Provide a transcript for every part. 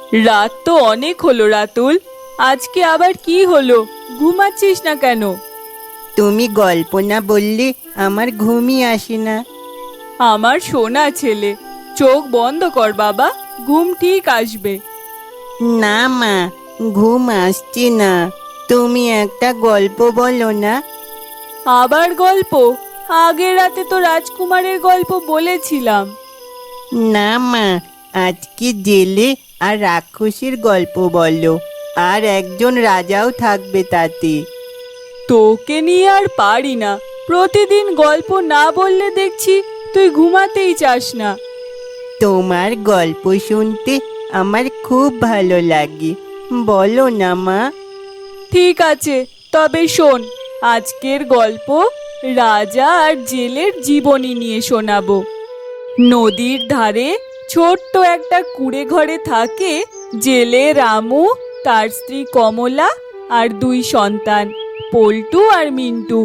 রাত তো অনেক হলো রাতুল। আজকে আবার কি হলো? ঘুমাচ্ছিস না কেন? তুমি গল্প না বললে আমার ঘুমই আসে না। আমার সোনা ছেলে, চোখ বন্ধ কর বাবা, ঘুম ঠিক আসবে। না মা, ঘুম আসছে না। তুমি একটা গল্প বলো না। আবার গল্প? আগের রাতে তো রাজকুমারের গল্প বলেছিলাম। না মা, আজকে জেলে আর রাক্ষসীর গল্প বলো। আর একজন রাজাও থাকবে তাতে। তোকে নিয়ে আর পারি না। প্রতিদিন গল্প না বললে দেখছি তুই ঘুমাতেই চাস না। তোমার গল্প শুনতে আমার খুব ভালো লাগে। বলো না মা। ঠিক আছে, তবে শোন। আজকের গল্প রাজা আর জেলের জীবনী নিয়ে শোনাবো। নদীর ধারে ছোট্ট একটা কুঁড়ে ঘরে থাকে জেলে রামু, তার স্ত্রী কমলা আর দুই সন্তান পল্টু আর মিন্টু।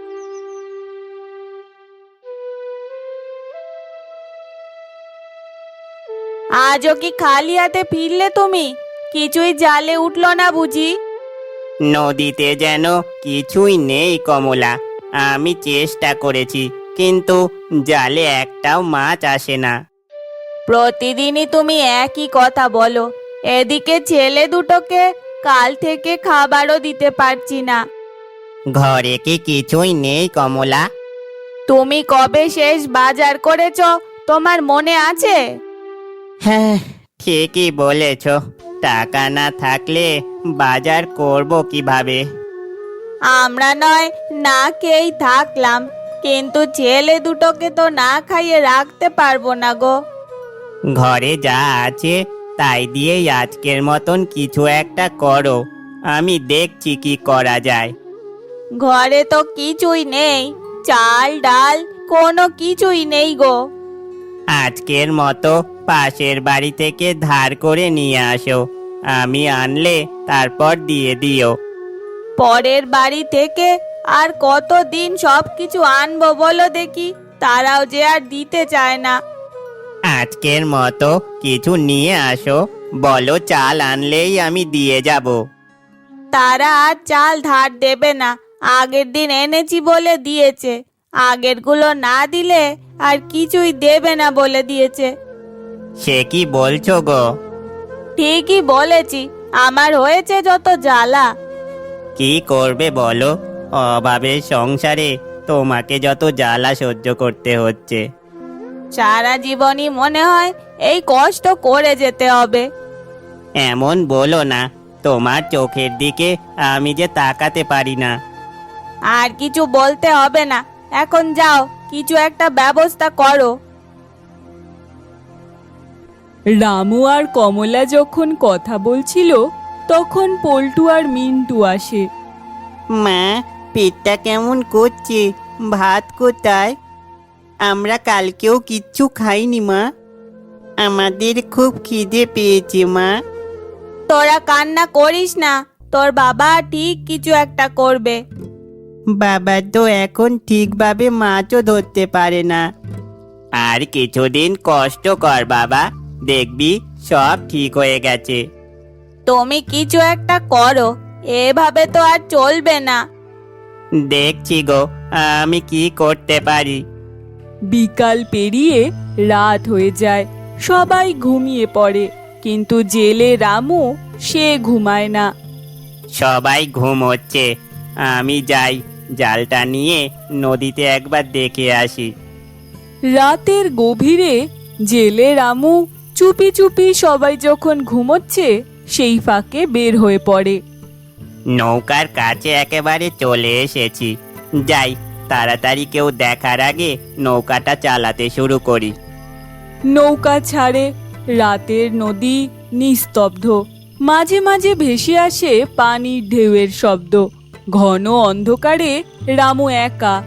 আজও কি খালি হাতে ফিরলে তুমি? কিছুই জালে উঠলো না বুঝি? নদীতে যেন কিছুই নেই কমলা। আমি চেষ্টা করেছি, কিন্তু জালে একটাও মাছ আসে না। প্রতিদিনই তুমি একই কথা বলো। এদিকে ছেলে দুটোকে কাল থেকে খাবারও দিতে পারছি না। ঘরে কি কিছুই নেই কমলা? তুমি কবে শেষ বাজার করেছো, তোমার মনে আছে? হ্যাঁ, ঠিকই বলেছ। টাকা না থাকলে বাজার করব কিভাবে? আমরা নয় না খেয়েই থাকলাম, কিন্তু ছেলে দুটোকে তো না খাইয়ে রাখতে পারবো না গো। ঘরে যা আছে তাই দিয়েই আজকের মতন কিছু একটা করো। আমি দেখছি কি করা যায়। ঘরে তো কিছুই নেই, চাল ডাল কোনো কিছুই নেই গো। আজকের মতো পাশের বাড়ি থেকে ধার করে নিয়ে আসো। আমি আনলে তারপর দিয়ে দিও। পরের বাড়ি থেকে আর কতদিন সব কিছু আনবো বলো দেখি? তারাও যে আর দিতে চায় না। আজকের মতো কিছু নিয়ে আসো, বলো চাল আনলেই আমি দিয়ে যাব। তারা আর চাল ধার দেবে না। আগের দিন এনেছি বলে দিয়েছে, আগেরগুলো না দিলে আর কিছুই দেবে না বলে দিয়েছে। সে কি বলছো গো? ঠিকই বলেছি, আমার হয়েছে যত জ্বালা। কি করবে বলো? অভাবের সংসারে তোমাকে যত জ্বালা সহ্য করতে হচ্ছে। সারা জীবনই মনে হয় এই কষ্ট করে যেতে হবে। এমন বলো না, তোমার চোখের দিকে আমি যে তাকাতে পারি না। আর কিছু বলতে হবে না, এখন যাও, কিছু একটা ব্যবস্থা করো। রামু আর কমলা যখন কথা বলছিল তখন পল্টু আর মিন্টু আসে। মা, পেটটা কেমন করছে, ভাত কোথায়? আমরা কালকেও কিচ্ছু খাইনি মা। আমাদের খুব খিদে পেয়েছে মা। তোরা কান্না করিস না, তোর বাবা ঠিক কিছু একটা করবে। বাবা তো এখন ঠিকভাবে মাছও ধরতে পারে না। আর কিছুদিন কষ্ট কর বাবা, দেখবি সব ঠিক হয়ে গেছে। তুমি কিছু একটা করো, এভাবে তো আর চলবে না। দেখছি গো, আমি কি করতে পারি। বিকাল পেরিয়ে রাত হয়ে যায়, সবাই ঘুমিয়ে পড়ে, কিন্তু জেলে রামু সে ঘুমায় না। সবাই ঘুম হচ্ছে, আমি যাই জালটা নিয়ে নদীতে একবার দেখে আসি। রাতের গভীরে জেলে রামু চুপি চুপি সবাই যখন ঘুমোচ্ছে সেই ফাঁকে বের হয়ে পড়ে। নৌকার কাছে একেবারে চলে এসেছি। যাই, তাড়াতাড়ি কেউ দেখার আগে নৌকাটা চালাতে শুরু করি। নৌকা ছাড়ে, রাতের নদী নিস্তব্ধ, মাঝে মাঝে ভেসে আসে পানির ঢেউয়ের শব্দ। ঘন অন্ধকারে রামু একা।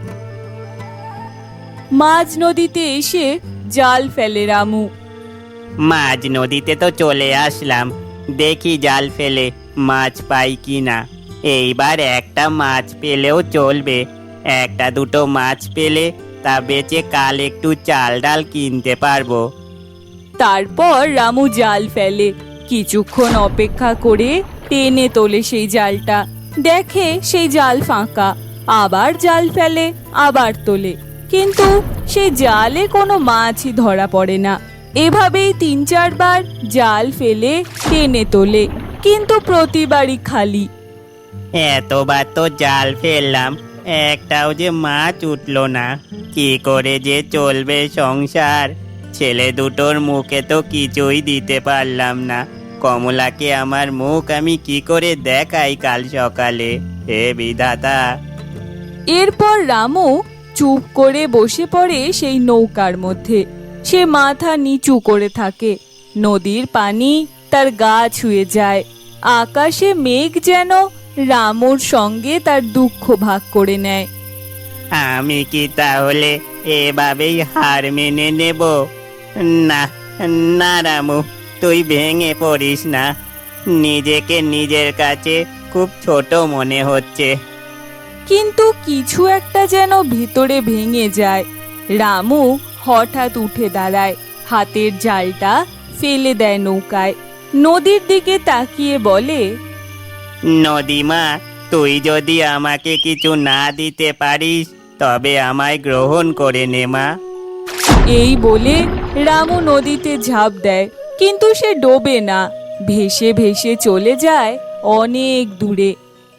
মাঝ নদীতে এসে জাল ফেলে রামু। মাঝ নদীতে তো চলে আসলাম, দেখি জাল ফেলে মাছ পাই কিনা। এইবার একটা মাছ পেলেও চলবে। একটা দুটো মাছ পেলে তা বেচে কাল একটু চাল ডাল কিনতে পারবো। তারপর রামু জাল ফেলে, কিছুক্ষণ অপেক্ষা করে টেনে তোলে সেই জালটা, দেখে সেই জাল ফাঁকা। আবার জাল ফেলে, আবার তোলে, কিন্তু সেই জালে কোনো মাছই ধরা পড়ে না। এভাবেই 3-4 বার জাল ফেলে টেনে তোলে, কিন্তু প্রতিবারই খালি। এতবার তো জাল ফেললাম, একটাও যে মাছ উঠলো না। কি করে যে চলবে সংসার? ছেলে দুটোর মুখে তো কিছুই দিতে পারলাম না। কমলাকে আমার মুখ আমি কি করে দেখাই কাল সকালে? হে বিধাতা! এরপর রামু চুপ করে বসে পড়ে সেই নৌকার মধ্যে। সে মাথা নিচু করে থাকে। নদীর পানি তার গা ছুঁয়ে যায়। আকাশে মেঘ যেন রামুর সঙ্গে তার দুঃখ ভাগ করে নেয়। আমি কি তাহলে এভাবেই হার মেনে নেব? না, না রামু, তুই ভেঙে পড়িস না। নিজেকে নিজের কাছে খুব ছোট মনে হচ্ছে। কিন্তু কিছু একটা যেন ভিতরে ভেঙে যায়। রামু হঠাৎ উঠে দাঁড়ায়, হাতের জালটা ফেলে দেয় নৌকায়, নদীর দিকে তাকিয়ে বলে, নদীমা, তুই যদি আমাকে কিছু না দিতে পারিস তবে আমায় গ্রহণ করে নে মা। এই বলে রামু নদীতে ঝাঁপ দেয়, কিন্তু সে ডোবে না, ভেসে ভেসে চলে যায় অনেক দূরে।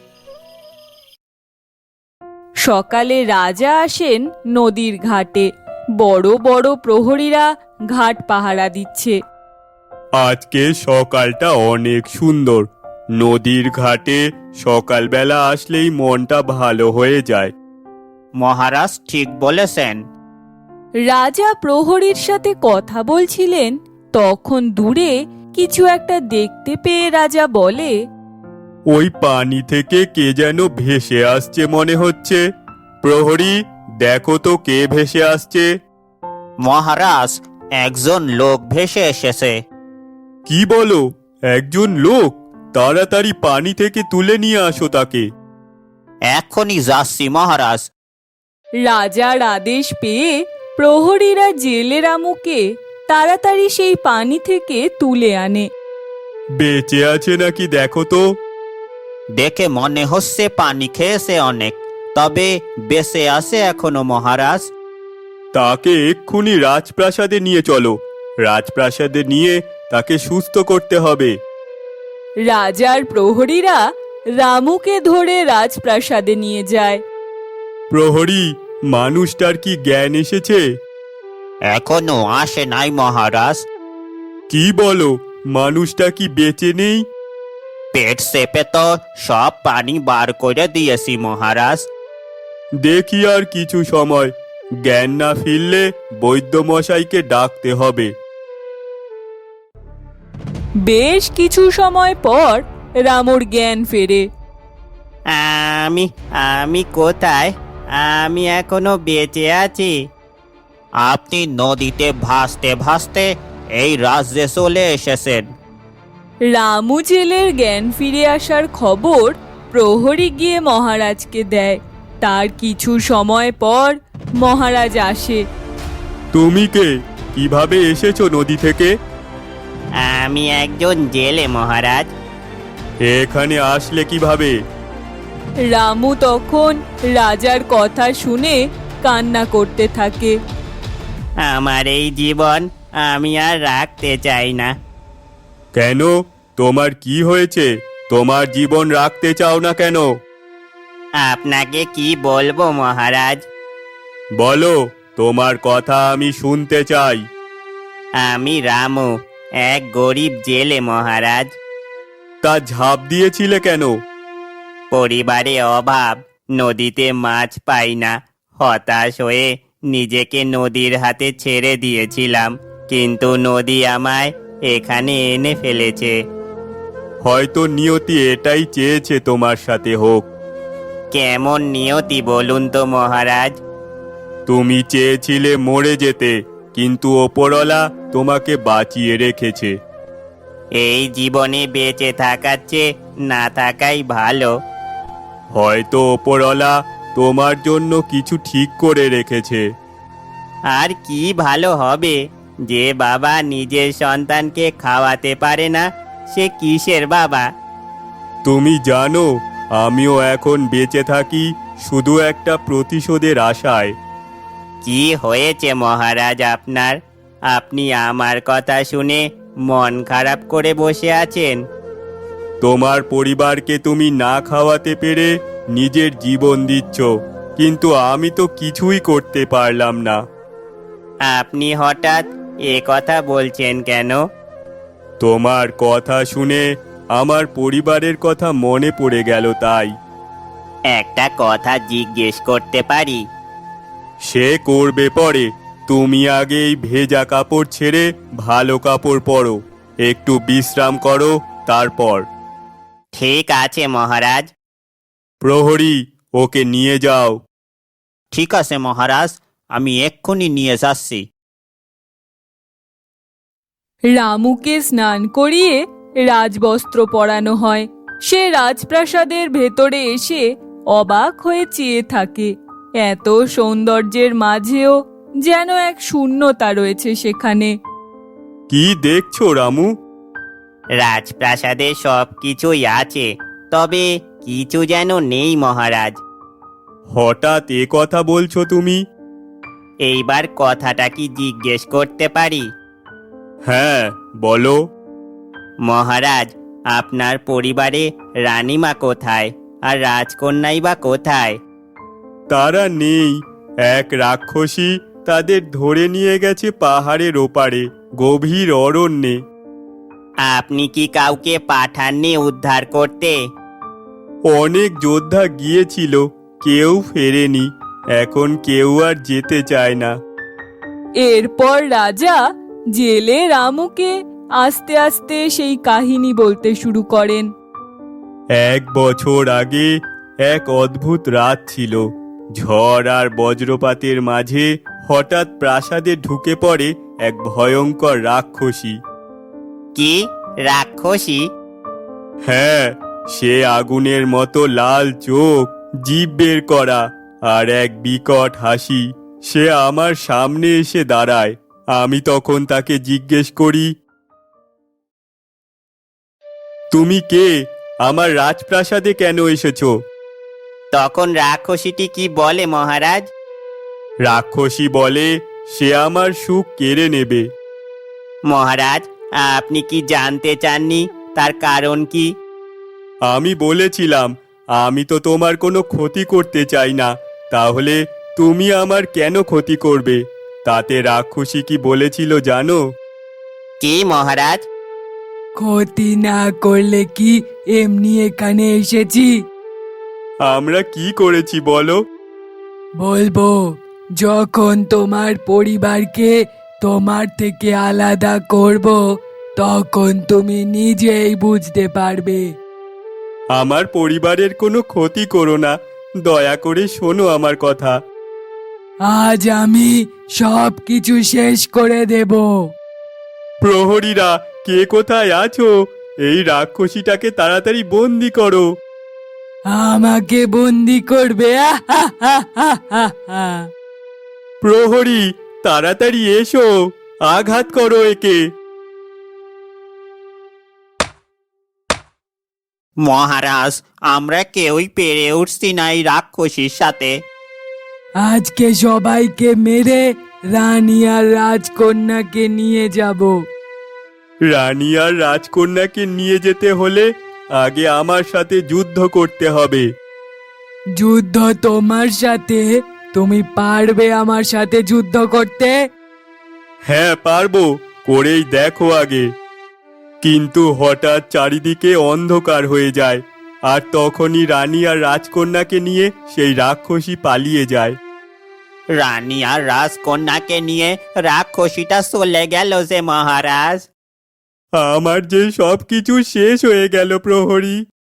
সকালে রাজা আসেন নদীর ঘাটে। বড় বড় প্রহরীরা ঘাট পাহারা দিচ্ছে। আজকে সকালটা অনেক সুন্দর। নদীর ঘাটে সকালবেলা আসলেই মনটা ভালো হয়ে যায়। মহারাজ ঠিক বলেছেন। রাজা প্রহরীর সাথে কথা বলছিলেন, তখন দূরে কিছু একটা দেখতে পেয়ে রাজা বলে, ওই পানি থেকে কে যেন ভেসে আসছে মনে হচ্ছে। প্রহরী, দেখো তো কে ভেসে আসছে। মহারাজ, একজন লোক ভেসে এসেছে। কি বলো? একজন লোক? তাড়াতাড়ি পানি থেকে তুলে নিয়ে আসো তাকে। এখনই যাচ্ছি মহারাজ। রাজার আদেশ পেয়ে প্রহরীরা জেলে রামুকে তাড়াতাড়ি সেই পানি থেকে তুলে আনে। বেঁচে আছে নাকি দেখো তো। দেখে মনে হচ্ছে পানি খেয়েছে অনেক, তবে বেঁচে আছে এখনো মহারাজ। তাকে এক্ষুনি রাজপ্রাসাদে নিয়ে চলো। রাজপ্রাসাদে নিয়ে তাকে সুস্থ করতে হবে। রাজার প্রহরীরা রামুকে ধরে রাজপ্রাসাদে নিয়ে যায়। প্রহরী, মানুষটার কি জ্ঞান এসেছে? এখনো আসে নাই মহারাজ। কি বলো? মানুষটা কি বেঁচে নেই? পেট চেপে তো সব পানি বার করে দিয়েছি মহারাজ। দেখি আর কিছু সময়। জ্ঞান না ফিরলে বৈদ্য মশাইকে ডাকতে হবে। বেশ কিছু সময় পর রামুর জ্ঞান ফেরে। আমি আমি কোথায়? আমি এখনো বেঁচে আছি। আপনি নদীতে ভাসতে ভাসতে এই রাজ্যে চলে এসেছেন। রামু জেলের জ্ঞান ফিরে আসার খবর প্রহরী গিয়ে মহারাজকে দেয়। তার কিছু সময় পর মহারাজ আসে। তুমি কে? কিভাবে এসেছো নদী থেকে? আমি একজন জেলে মহারাজ। এখানে আসলে কিভাবে? রামু তখন রাজার কথা শুনে কান্না করতে থাকে। আমার এই জীবন আমি আর রাখতে চাই না। কেন? তোমার কি হয়েছে? তোমার জীবন রাখতে চাও না কেন? আপনাকে কি বলবো মহারাজ? বলো, তোমার কথা আমি শুনতে চাই। আমি রামু, এক গরিব জেলে মহারাজ। তা ঝাঁপ দিয়েছিলে কেন? পরিবারে অভাব, নদীতে মাছ পাই না। হতাশ হয়ে নিজেকে নদীর হাতে ছেড়ে দিয়েছিলাম, কিন্তু নদী আমায় এখানে এনে ফেলেছে। হয়তো নিয়তি এটাই চেয়েছে তোমার সাথে হোক। কেমন নিয়তি বলুন তো মহারাজ? তুমি চেয়েছিলে মরে যেতে, কিন্তু ওপরওয়ালা তোমাকে বাঁচিয়ে রেখেছে। এই জীবনে বেঁচে থাকার চেয়ে না থাকাই ভালো। হয়তো ওপরওয়ালা তোমার জন্য কিছু ঠিক করে রেখেছে। আর কি ভালো হবে? যে বাবা নিজের সন্তানকে খাওয়াতে পারে না, সে কিসের বাবা? তুমি জানো, আমিও এখন বেঁচে থাকি শুধু একটা প্রতিশোধের আশায়। কি হয়েছে মহারাজ আপনার? আপনি আমার কথা শুনে মন খারাপ করে বসে আছেন। তোমার পরিবারকে তুমি না খাওয়াতে পেরে নিজের জীবন দিচ্ছ, কিন্তু আমি তো কিছুই করতে পারলাম না। আপনি হঠাৎ এ কথা বলছেন কেন? তোমার কথা শুনে আমার পরিবারের কথা মনে পড়ে গেল তাই। একটা কথা জিজ্ঞেস করতে পারি? সে করবে পরে, তুমি আগে এই ভেজা কাপড় ছেড়ে ভালো কাপড় পরো, একটু বিশ্রাম করো, তারপর। ঠিক আছে মহারাজ। প্রহরী, ওকে নিয়ে যাও। ঠিক আছে মহারাজ, আমি এক্ষুনি নিয়ে যাচ্ছি। রামুকে স্নান করিয়ে রাজবস্ত্র পরানো হয়। সে রাজপ্রাসাদের ভেতরে এসে অবাক হয়ে চেয়ে থাকে। এত সৌন্দর্যের মাঝেও যেন এক শূন্যতা রয়েছে সেখানে। কি দেখছো রামু? রাজপ্রাসাদে সব কিছুই আছে, তবে কিছু যেন নেই মহারাজ। হঠাৎ এ কথা বলছো তুমি? এইবার কথাটা কি জিজ্ঞেস করতে পারি? হ্যাঁ, বলো। মহারাজ, আপনার পরিবারে রানীমা কোথায়, আর রাজকন্যাই বা কোথায়? তারা নেই। এক রাক্ষসী তাদের ধরে নিয়ে গেছে পাহাড়ের ওপারে, গভীর অরণ্যে। আপনি কি কাউকে পাঠাননি উদ্ধার করতে? অনেক যোদ্ধা গিয়েছিল, কেউ ফেরেনি। এখন কেউ আর যেতে চায় না। এরপর রাজা জেলে রামুকে আস্তে আস্তে সেই কাহিনী বলতে শুরু করেন। 1 বছর আগে এক অদ্ভুত রাত ছিল। ঝড় আর বজ্রপাতের মাঝে হঠাৎ প্রাসাদে ঢুকে পড়ে এক ভয়ঙ্কর রাক্ষসী। কি রাক্ষসী? হ্যাঁ, সে আগুনের মতো লাল চোখ, জিভ বের করা, আর এক বিকট হাসি। সে আমার সামনে এসে দাঁড়ায়। আমি তখন তাকে জিজ্ঞেস করি, তুমি কে? আমার রাজপ্রাসাদে কেন এসেছো? তখন রাক্ষসীটি কি বলে মহারাজ? রাক্ষসী বলে, সে আমার সুখ কেড়ে নেবে। মহারাজ, আপনি কি জানতে চাননি তার কারণ কি? আমি বলেছিলাম, আমি তো তোমার কোনো ক্ষতি করতে চাই না, তাহলে তুমি আমার কেন ক্ষতি করবে? তাতে রাক্ষসী কি বলেছিল জানো? কি মহারাজ? ক্ষতি না করলে কি এমনি এখানে এসেছি? আমরা কি করেছি বলো? বলবো, যখন তোমার পরিবারকে তোমার থেকে আলাদা করব, তখন তুমি নিজেই বুঝতে পারবে। আমার পরিবারের কোনো ক্ষতি করো না, দয়া করে শোনো আমার কথা। আজ আমি সব কিছু শেষ করে দেব। প্রহরীরা, কে কোথায় আছো? এই রাক্ষসীটাকে তাড়াতাড়ি বন্দি করো। আমাকে বন্দি করবে? প্রহরী, তাড়াতাড়ি এসো, আঘাত করো একে। মহারাজ, আমরা কেউই পেরে উঠছি না এই রাক্ষসীর সাথে। আজকে সবাইকে মেরে রানী আর রাজকন্যাকে নিয়ে যাব। রানী আর রাজকন্যাকে নিয়ে যেতে হলে আগে আমার সাথে যুদ্ধ করতে হবে। যুদ্ধ তোমার সাথে? তুমি পারবে আমার সাথে যুদ্ধ করতে? হ্যাঁ, পারবো, করেই দেখো আগে। কিন্তু হঠাৎ চারিদিকে অন্ধকার হয়ে যায়, আর তখনই রানী আর রাজকন্যাকে নিয়ে সেই রাক্ষসী পালিয়ে যায়। রানী আর রাজকন্যাকে নিয়ে রাক্ষসীটা চলে গেল যে মহারাজ। আমার যে সবকিছু শেষ হয়ে গেল প্রহরী।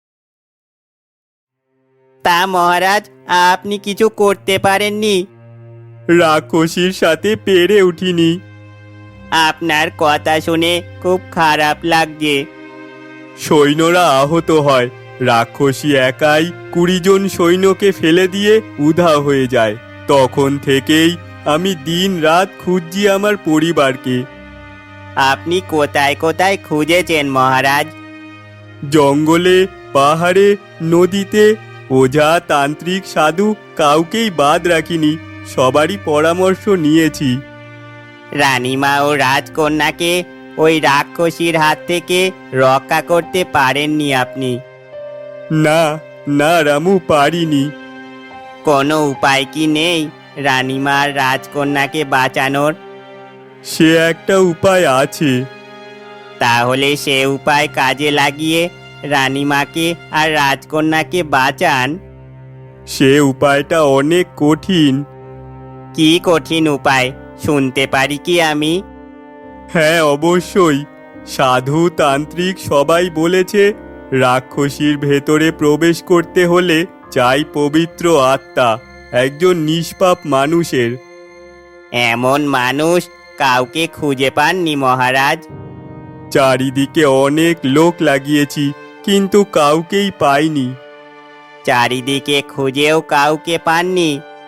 তা মহারাজ, আপনি কিছু করতে পারেননি? রাক্ষসীর সাথে পেরে উঠিনি। আপনার কথা শুনে খুব খারাপ লাগছে। সৈন্যরা আহত হয়, রাক্ষসী একাই 20 জন সৈন্যকে ফেলে দিয়ে উধাও হয়ে যায়। তখন থেকেই আমি দিন রাত খুঁজছি আমার পরিবারকে। আপনি কোথায় কোথায় খুঁজেছেন মহারাজ? জঙ্গলে, পাহাড়ে, নদীতে ওঝা, তান্ত্রিক, সাধু কাউকেই বাদ রাখিনি, সবারই পরামর্শ নিয়েছি। রানীমা ও রাজকন্যাকে ওই রাক্ষসীর হাত থেকে রক্ষা করতে পারেননি আপনি? না, না রামু, পারিনি। কোনো উপায় কি নেই রানীমা আর রাজকন্যাকে বাঁচানোর? সে একটা উপায় আছে। তাহলে সে উপায় কাজে লাগিয়ে রানীমাকে আর রাজকন্যাকে বাঁচান। সে উপায়টা অনেক কঠিন। কি কঠিন উপায়, শুনতে পারি কি আমি? হ্যাঁ, অবশ্যই। সাধু, তান্ত্রিক সবাই বলেছে রাক্ষসীর ভেতরে প্রবেশ করতে হলে চাই পবিত্র আত্মা, একজন নিষ্পাপ মানুষের। এমন মানুষ কাউকে খুঁজে পাননি মহারাজ? চারিদিকে অনেক লোক লাগিয়েছি, কিন্তু কাউকেই পাইনি। চারিদিকে খুঁজেও কাউকে পাননি?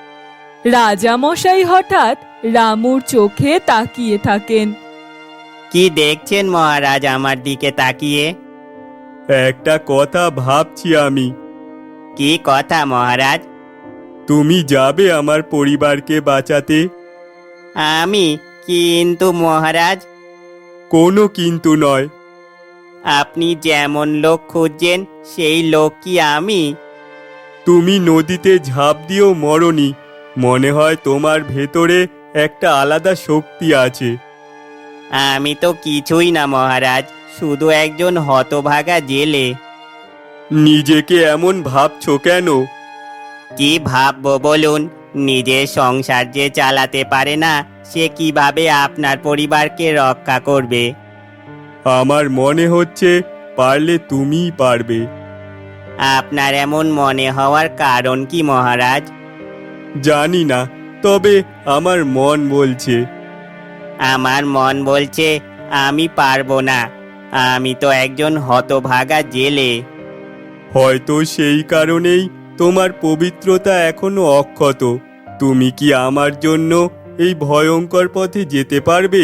রাজামশাই হঠাৎ রামুর চোখে তাকিয়ে থাকেন। কি দেখছেন মহারাজ আমার দিকে তাকিয়ে? একটা কথা ভাবছি আমি। কি কথা মহারাজ? তুমি যাবে আমার পরিবারকে বাঁচাতে? আমি? কিন্তু মহারাজ, কোনো কিন্তু নয়। আপনি যেমন লোক খুঁজছেন সেই লোক কি আমি? তুমি নদীতে ঝাঁপ দিয়েও মরনি, মনে হয় তোমার ভেতরে একটা আলাদা শক্তি আছে। আমি তো কিছুই না মহারাজ, শুধু একজন হতভাগা জেলে। নিজেকে এমন ভাবছো কেন? কি ভাববো বলুন? নিজের সংসার যে চালাতে পারে না, সে কিভাবে আপনার পরিবারকে রক্ষা করবে? আমার মনে হচ্ছে পারলে তুমিই পারবে। আপনার এমন মনে হওয়ার কারণ কি মহারাজ? জানি না, তবে আমার মন বলছে। আমার মন বলছে আমি পারবো না। আমি তো একজন হতভাগা জেলে। হয়তো সেই কারণেই তোমার পবিত্রতা এখনো অক্ষত। তুমি কি আমার জন্য এই ভয়ঙ্কর পথে যেতে পারবে?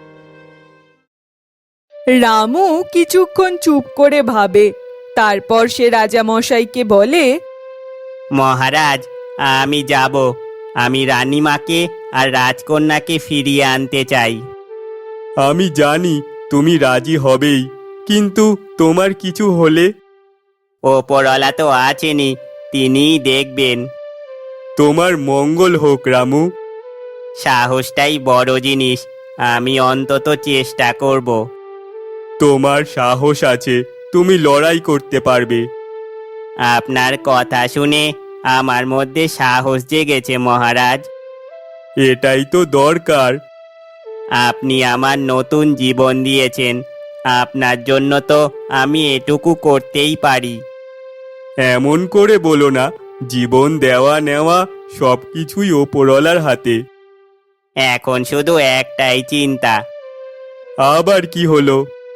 রামু কিছুক্ষণ চুপ করে ভাবে, তারপর সে রাজামশাইকে বলে, মহারাজ, আমি যাব। আমি রানীমাকে আর রাজকন্যাকে ফিরিয়ে আনতে চাই। আমি জানি তুমি রাজি হবেই, কিন্তু তোমার কিছু হলে? ওপরওয়ালা তো আছেনই, তিনিই দেখবেন। তোমার মঙ্গল হোক রামু। সাহসটাই বড় জিনিস, আমি অন্তত চেষ্টা করব। তোমার সাহস আছে, তুমি লড়াই করতে পারবে। আপনার কথা শুনে আমার মধ্যে সাহস জেগেছে মহারাজ। এটাই তো দরকার। আপনি আমার নতুন জীবন দিয়েছেন, আপনার জন্য তো আমি এটুকু করতেই পারি। এমন করে বলো না, জীবন দেওয়া নেওয়া সবকিছুই ওপরওয়ালার হাতে। এখন শুধু একটাই চিন্তা, আবার কি হলো?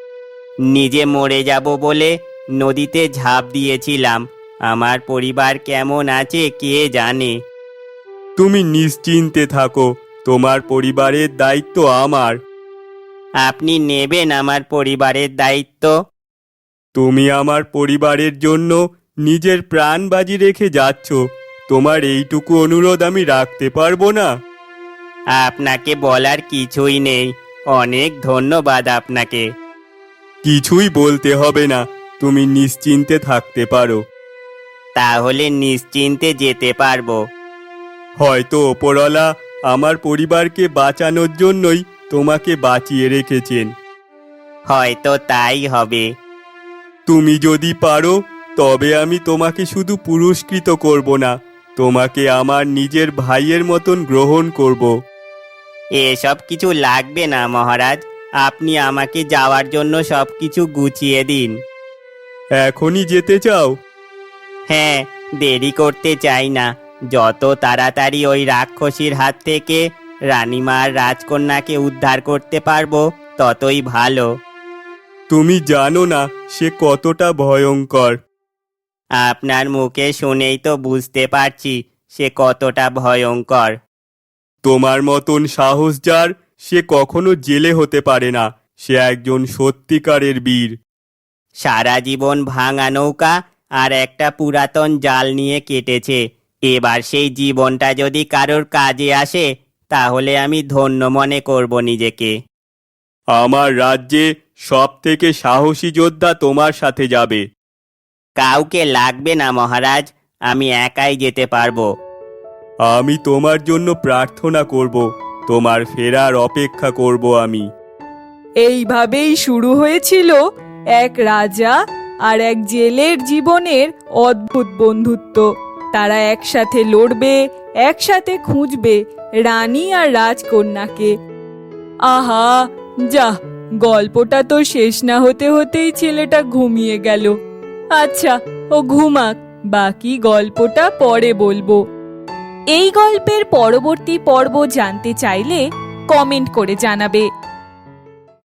নিজে মরে যাব বলে নদীতে ঝাঁপ দিয়েছিলাম। আমার পরিবার কেমন আছে কে জানে। তুমি নিশ্চিন্তে থাকো, তোমার পরিবারের দায়িত্ব আমার। আপনি নেবেন আমার পরিবারের দায়িত্ব? তুমি আমার পরিবারের জন্য নিজের প্রাণ বাজি রেখে যাচ্ছ, তোমার এইটুকু অনুরোধ আমি রাখতে পারবো না? আপনাকে বলার কিছুই নেই, অনেক ধন্যবাদ আপনাকে। কিছুই বলতে হবে না, তুমি নিশ্চিন্তে থাকতে পারো। তাহলে নিশ্চিন্তে যেতে পারবো। হয়তো ওপরওয়ালা আমার পরিবারকে বাঁচানোর জন্যই তোমাকে বাঁচিয়ে রেখেছেন। হয়তো তাই হবে। তুমি যদি পারো, তবে আমি তোমাকে শুধু পুরস্কৃত করব না, তোমাকে আমার নিজের ভাইয়ের মতন গ্রহণ করব। এসব কিছু লাগবে না মহারাজ, আপনি আমাকে যাওয়ার জন্য সবকিছু গুছিয়ে দিন। এখনই যেতে চাও? হ্যাঁ, দেরি করতে চাই না। যত তাড়াতাড়ি ওই রাক্ষসীর হাত থেকে রানীমার রাজকন্যাকে উদ্ধার করতে পারবো ততই ভালো। তুমি জানো না সে কতটা ভয়ঙ্কর। আপনার মুখে শুনেই তো বুঝতে পারছি সে কতটা ভয়ঙ্কর। তোমার মতন সাহস যার, সে কখনো জেলে হতে পারে না, সে একজন সত্যিকারের বীর। সারা জীবন ভাঙা নৌকা আর একটা পুরাতন জাল নিয়ে কেটেছে। এবার সেই জীবনটা যদি কারোর কাজে আসে তাহলে আমি ধন্য মনে করব নিজেকে। আমার রাজ্যে সব থেকে সাহসী যোদ্ধা তোমার সাথে যাবে। কাউকে লাগবে না মহারাজ, আমি একাই যেতে পারবো। আমি তোমার জন্য প্রার্থনা করব, তোমার ফেরার অপেক্ষা করব আমি। এইভাবেই শুরু হয়েছিল এক রাজা আর এক জেলের জীবনের অদ্ভুত বন্ধুত্ব। তারা একসাথে লড়বে, একসাথে খুঁজবে রানী আর রাজকন্যাকে। আহা, যা, গল্পটা তো শেষ না হতে হতেই ছেলেটা ঘুমিয়ে গেল। আচ্ছা, ও ঘুমাক, বাকি গল্পটা পরে বলবো। এই গল্পের পরবর্তী পর্ব জানতে চাইলে কমেন্ট করে জানাবে।